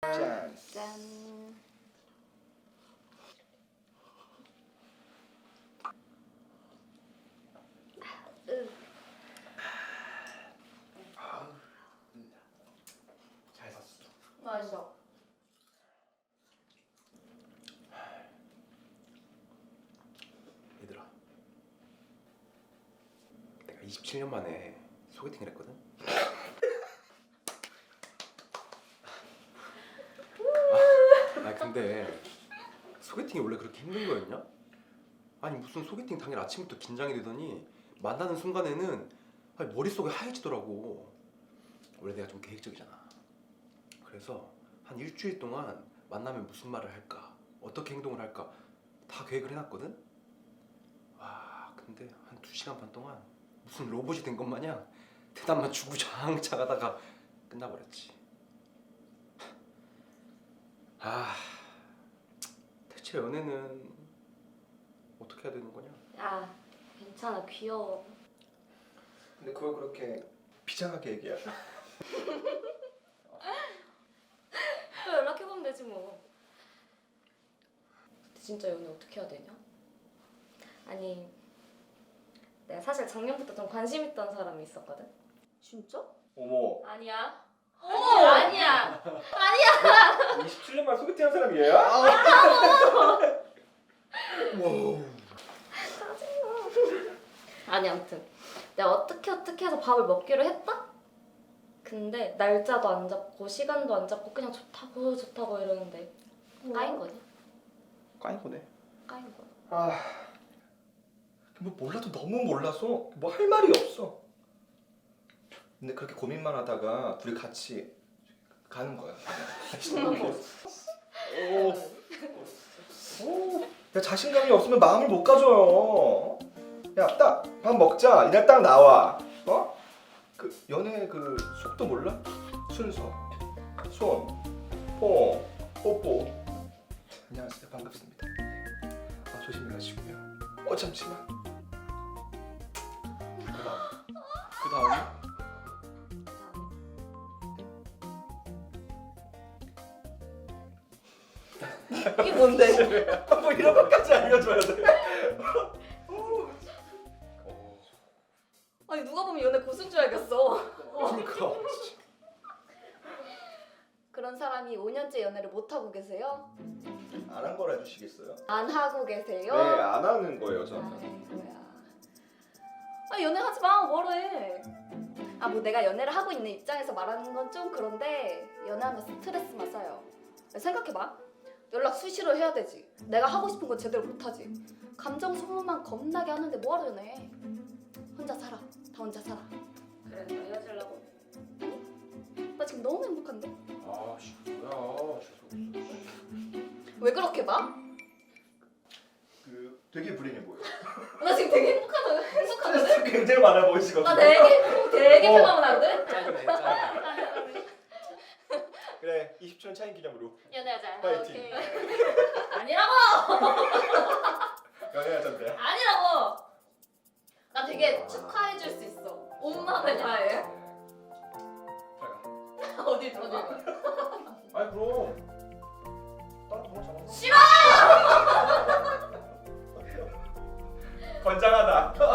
짠. 짠. 잘 샀어. 맛있어. 얘들아, 내가 27년 만에 소개팅을 했거든. 근데 소개팅이 원래 그렇게 힘든 거였냐? 아니 무슨 소개팅 당일 아침부터 긴장이 되더니 만나는 순간에는 머릿속이 하얘지더라고. 원래 내가 좀 계획적이잖아. 그래서 한 일주일 동안 만나면 무슨 말을 할까, 어떻게 행동을 할까 다 계획을 해놨거든. 와, 근데 한 2시간 반 동안 무슨 로봇이 된 것 마냥 대답만 주구장창 하다가 끝나버렸지. 대체 연애는 어떻게 해야 되는 거냐? 야, 괜찮아. 귀여워. 근데 그걸 그렇게 비장하게 얘기해? 또 연락해보면 되지 뭐. 근데 진짜 연애 어떻게 해야 되냐? 아니, 내가 사실 작년부터 좀 관심 있던 사람이 있었거든. 진짜? 어머, 아니야. 아니야. 27년 만에 소개팅한 사람이 얘야? 아니 아무튼 내가 어떻게 해서 밥을 먹기로 했다? 근데 날짜도 안 잡고 시간도 안 잡고 그냥 좋다고 이러는데 까인 거냐? 까인 거네. 까인 거야. 뭐 몰라도 너무 몰라서 뭐 할 말이 없어. 근데 그렇게 고민만 하다가 둘이 같이 가는 거야. 야, 자신감이 없으면 마음을 못 가져요. 야, 딱 밥 먹자. 이날 딱 나와. 어? 그 연애 그 속도 몰라? 순서, 손, 뽀, 뽀뽀. 안녕하세요, 반갑습니다. 조심히 가시고요. 잠시만. 그 다음에? 이게 뭔데? 뭐 이런 것까지 알려줘야 돼. 아니 누가 보면 연애 고수인 줄 알겠어. 그러니까. 그런 사람이 5년째 연애를 못 하고 계세요? 안 한 거라 해주시겠어요? 안 하고 계세요? 네, 안 하는 거예요, 저는. 아이고야. 연애하지 마. 뭐래? 뭐 내가 연애를 하고 있는 입장에서 말하는 건 좀 그런데 연애하면 스트레스만 쌓여. 생각해봐. 연락 수시로 해야 되지. 내가 하고 싶은 건 제대로 못하지. 감정 소모만 겁나게 하는데 뭐하러 연애? 혼자 살아. 다 혼자 살아. 그래, 너 헤어지려고? 아니? 나 지금 너무 행복한데? 뭐야, 재수 없어. 왜 그렇게 봐? 되게 불행해 보여. 나 지금 되게 행복하거든? 스트레스 굉장히 많아 보이시거든요. 나 되게 편안하거든? 짜증내. 그래, 20주년 차인 기념으로 연애하자. 파이팅. 오케이. 아니라고! 연애하잔데. 아니라고! 나 되게 축하해줄 수 있어. 온 마음을 다해. 잘 가. 어디 가? 아니 그럼 다른 번호 잡아. 싫어! 건장하다.